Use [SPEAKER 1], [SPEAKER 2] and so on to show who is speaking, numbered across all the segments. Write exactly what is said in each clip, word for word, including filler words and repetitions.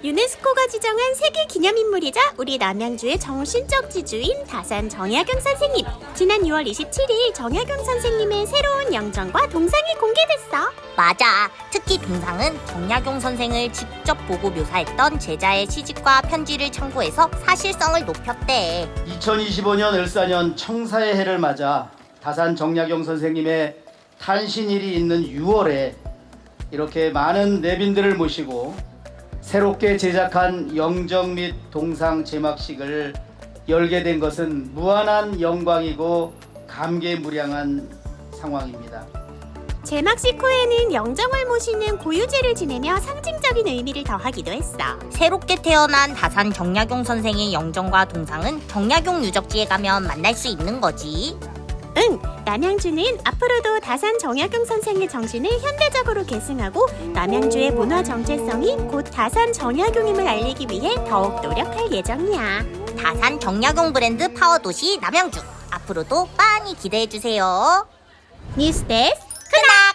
[SPEAKER 1] 유네스코가 지정한 세계 기념인물이자 우리 남양주의 정신적 지주인 다산 정약용 선생님. 지난 유월 이십칠일 정약용 선생님의 새로운 영정과 동상이 공개됐어.
[SPEAKER 2] 맞아. 특히 동상은 정약용 선생을 직접 보고 묘사했던 제자의 시집과 편지를 참고해서 사실성을 높였대.
[SPEAKER 3] 이천이십오년 을사년 청사의 해를 맞아 다산 정약용 선생님의 탄신일이 있는 유월에 이렇게 많은 내빈들을 모시고 새롭게 제작한 영정 및 동상 제막식을 열게 된 것은 무한한 영광이고 감개무량한 상황입니다.
[SPEAKER 1] 제막식 후에는 영정을 모시는 고유제를 지내며 상징적인 의미를 더하기도 했어.
[SPEAKER 2] 새롭게 태어난 다산 정약용 선생의 영정과 동상은 정약용 유적지에 가면 만날 수 있는 거지.
[SPEAKER 1] 응, 남양주는 앞으로도 다산 정약용 선생의 정신을 현대적으로 계승하고 남양주의 문화 정체성이 곧 다산 정약용임을 알리기 위해 더욱 노력할 예정이야.
[SPEAKER 2] 다산 정약용 브랜드 파워도시 남양주. 앞으로도 많이 기대해주세요.
[SPEAKER 1] 뉴스데스
[SPEAKER 2] 크락!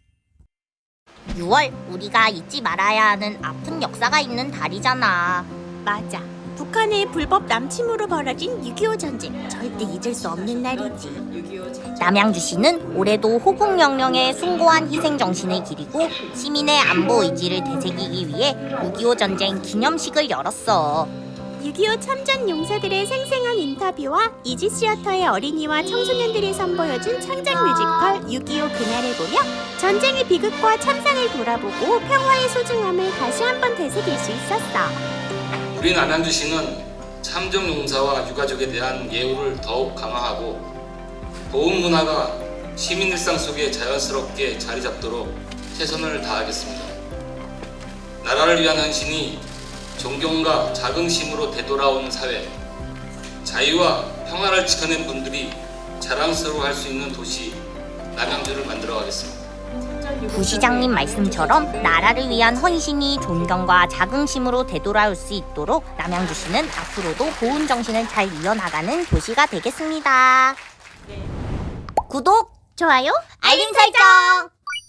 [SPEAKER 2] 유월, 우리가 잊지 말아야 하는 아픈 역사가 있는 달이잖아.
[SPEAKER 1] 맞아. 북한의 불법 남침으로 벌어진 육이오 전쟁. 절대 잊을 수 없는 날이지.
[SPEAKER 2] 남양주시는 올해도 호국영령의 숭고한 희생정신을 기리고 시민의 안보 의지를 되새기기 위해 육이오 전쟁 기념식을 열었어.
[SPEAKER 1] 육이오 참전 용사들의 생생한 인터뷰와 이지 시어터의 어린이와 청소년들이 선보여준 창작 뮤지컬 육이오 그날을 보며 전쟁의 비극과 참상을 돌아보고 평화의 소중함을 다시 한번 되새길 수 있었어.
[SPEAKER 4] 우리 남양주시는 참전 용사와 유가족에 대한 예우를 더욱 강화하고 보훈 문화가 시민 일상 속에 자연스럽게 자리 잡도록 최선을 다하겠습니다. 나라를 위한 헌신이 존경과 자긍심으로 되돌아오는 사회, 자유와 평화를 지켜낸 분들이 자랑스러워할 수 있는 도시 남양주를 만들어가겠습니다.
[SPEAKER 2] 부시장님 말씀처럼 나라를 위한 헌신이 존경과 자긍심으로 되돌아올 수 있도록 남양주시는 앞으로도 보훈 정신을 잘 이어나가는 도시가 되겠습니다. 구독,
[SPEAKER 1] 좋아요,
[SPEAKER 2] 알림 설정!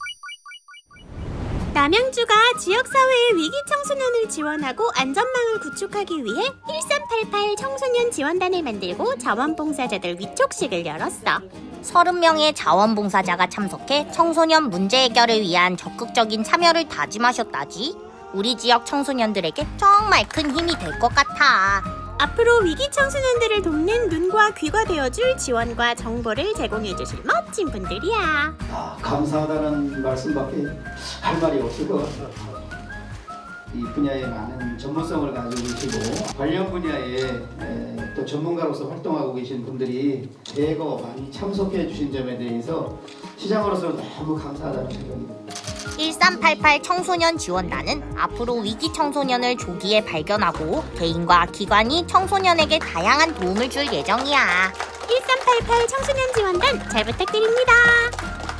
[SPEAKER 1] 남양주가 지역사회의 위기 청소년을 지원하고 안전망을 구축하기 위해 일삼팔팔 청소년 지원단을 만들고 자원봉사자들 위촉식을 열었어.
[SPEAKER 2] 서른 명의 자원봉사자가 참석해 청소년 문제 해결을 위한 적극적인 참여를 다짐하셨다지. 우리 지역 청소년들에게 정말 큰 힘이 될 것 같아.
[SPEAKER 1] 앞으로 위기 청소년들을 돕는 눈과 귀가 되어줄 지원과 정보를 제공해주실 멋진 분들이야.
[SPEAKER 3] 아, 감사하다는 말씀밖에 할 말이 없을 것 같아요. 이 분야에 많은 전문성을 가지고 계시고 관련 분야에 에, 또 전문가로서 활동하고 계신 분들이 대거 많이 참석해 주신 점에 대해서 시장으로서 너무 감사하다는 생각이 듭니다.
[SPEAKER 2] 일삼팔팔 청소년 지원단은 앞으로 위기 청소년을 조기에 발견하고 개인과 기관이 청소년에게 다양한 도움을 줄 예정이야.
[SPEAKER 1] 일삼팔팔 청소년 지원단 잘 부탁드립니다.